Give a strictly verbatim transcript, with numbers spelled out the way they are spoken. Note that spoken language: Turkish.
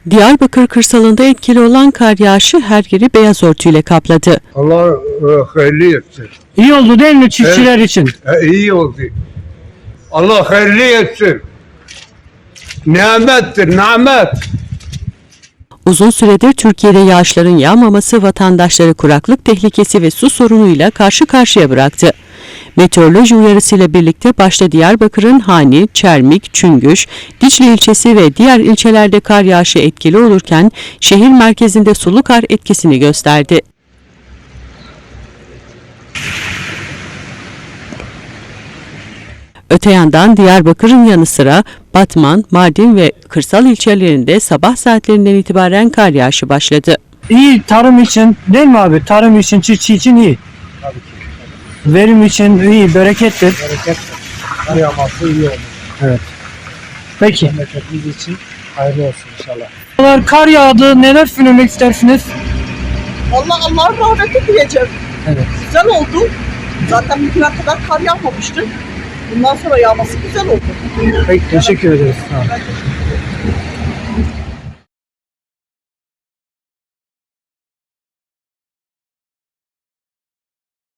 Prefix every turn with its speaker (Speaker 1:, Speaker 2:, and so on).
Speaker 1: Diyarbakır kırsalında etkili olan kar yağışı her yeri beyaz örtüyle kapladı.
Speaker 2: Allah e, hayırlı etsin.
Speaker 3: İyi oldu değil mi çiftçiler
Speaker 2: Evet.
Speaker 3: için?
Speaker 2: E, iyi oldu. Allah hayırlı etsin. Nimettir, nimet.
Speaker 1: Uzun süredir Türkiye'de yağışların yağmaması vatandaşları kuraklık tehlikesi ve su sorunuyla karşı karşıya bıraktı. Meteoroloji uyarısıyla birlikte başta Diyarbakır'ın Hani, Çermik, Çüngüş, Diçli ilçesi ve diğer ilçelerde kar yağışı etkili olurken şehir merkezinde sulu kar etkisini gösterdi. Öte yandan Diyarbakır'ın yanı sıra Batman, Mardin ve kırsal ilçelerinde sabah saatlerinden itibaren kar yağışı başladı.
Speaker 3: İyi tarım için değil mi abi? Tarım için, çiftçi için iyi.
Speaker 4: Tabii ki.
Speaker 3: Verim için iyi, berekettir.
Speaker 4: Berekettir. Kar yağması iyi olur.
Speaker 3: Evet. Peki.
Speaker 4: Memleketimiz için hayırlı olsun inşallah.
Speaker 3: Kar yağdı. Neler söylemek istersiniz?
Speaker 5: Allah Allah'ın rahmeti diyeceğim.
Speaker 3: Evet.
Speaker 5: Güzel oldu. Zaten bugüne kadar kar yağmamıştı. Bundan sonra yağması güzel oldu.
Speaker 3: Peki, teşekkür ederiz. Sağ olun.
Speaker 5: Ben teşekkür